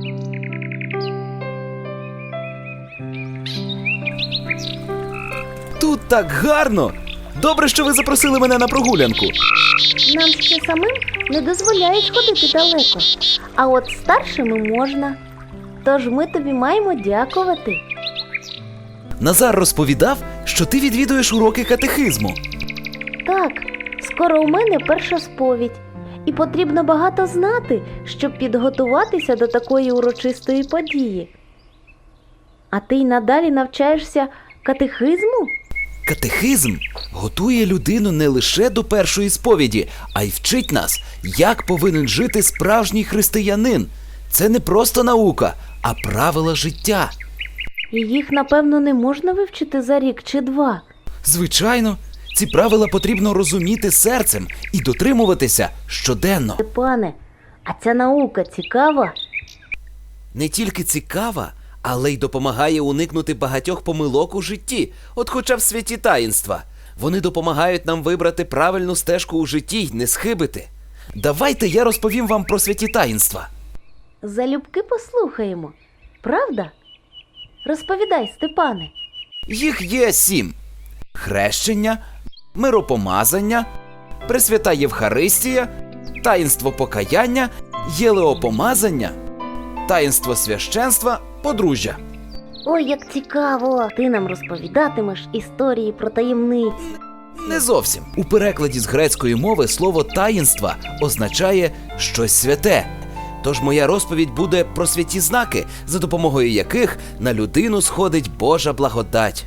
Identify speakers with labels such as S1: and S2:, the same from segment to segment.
S1: Тут так гарно! Добре, що ви запросили мене на прогулянку.
S2: Нам ще самим не дозволяють ходити далеко, а от старшими можна. Тож ми тобі маємо дякувати.
S1: Назар розповідав, що ти відвідуєш уроки катехизму.
S2: Так, скоро у мене перша сповідь. І потрібно багато знати, щоб підготуватися до такої урочистої події. А ти й надалі навчаєшся катехизму?
S1: Катехизм готує людину не лише до першої сповіді, а й вчить нас, як повинен жити справжній християнин. Це не просто наука, а правила життя.
S2: І їх, напевно, не можна вивчити за рік чи два.
S1: Звичайно, ці правила потрібно розуміти серцем і дотримуватися щоденно.
S2: Степане, а ця наука цікава?
S1: Не тільки цікава, але й допомагає уникнути багатьох помилок у житті, от хоча б в святі таїнства. Вони допомагають нам вибрати правильну стежку у житті й не схибити. Давайте я розповім вам про святі таїнства.
S2: Залюбки послухаємо. Правда? Розповідай, Степане.
S1: Їх є 7. Хрещення, миропомазання, Пресвята Євхаристія, таїнство покаяння, єлеопомазання, таїнство священства, подружжя.
S2: Ой, як цікаво! Ти нам розповідатимеш історії про таємниці.
S1: Не зовсім. У перекладі з грецької мови слово «таїнства» означає «щось святе». Тож моя розповідь буде про святі знаки, за допомогою яких на людину сходить Божа благодать.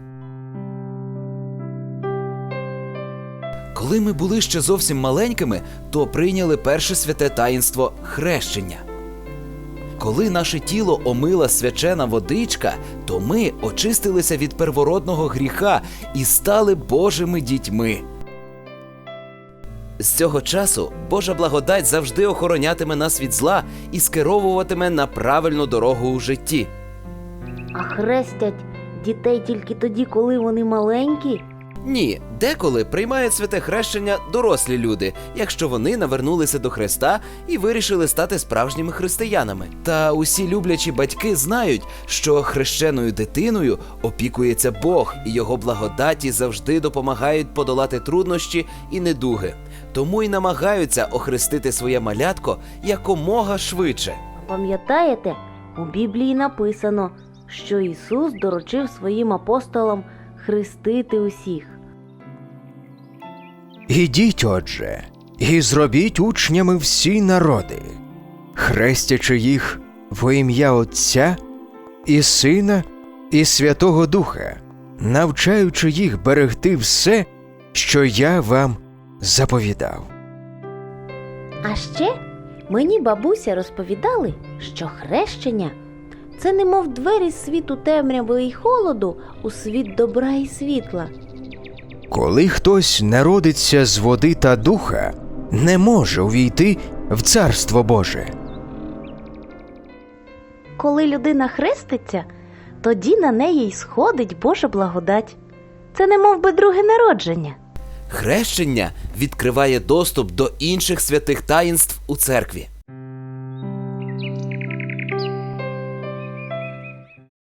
S1: Коли ми були ще зовсім маленькими, то прийняли перше святе таїнство – хрещення. Коли наше тіло омила свячена водичка, то ми очистилися від первородного гріха і стали Божими дітьми. З цього часу Божа благодать завжди охоронятиме нас від зла і скеровуватиме на правильну дорогу у житті.
S2: А хрестять дітей тільки тоді, коли вони маленькі?
S1: Ні, деколи приймають святе хрещення дорослі люди, якщо вони навернулися до Христа і вирішили стати справжніми християнами. Та усі люблячі батьки знають, що хрещеною дитиною опікується Бог, і його благодаті завжди допомагають подолати труднощі і недуги. Тому й намагаються охрестити своє малятко якомога швидше.
S2: Пам'ятаєте, у Біблії написано, що Ісус доручив своїм апостолам хрестити усіх.
S3: Ідіть, отже, і зробіть учнями всі народи, хрестячи їх во ім'я Отця і Сина і Святого Духа, навчаючи їх берегти все, що я вам заповідав.
S2: А ще мені бабуся розповідали, що хрещення – це немов двері з світу темряви і холоду у світ добра і світла.
S3: Коли хтось народиться з води та духа, не може увійти в Царство Боже.
S2: Коли людина хреститься, тоді на неї й сходить Божа благодать. Це немов би друге народження.
S1: Хрещення відкриває доступ до інших святих таїнств у церкві.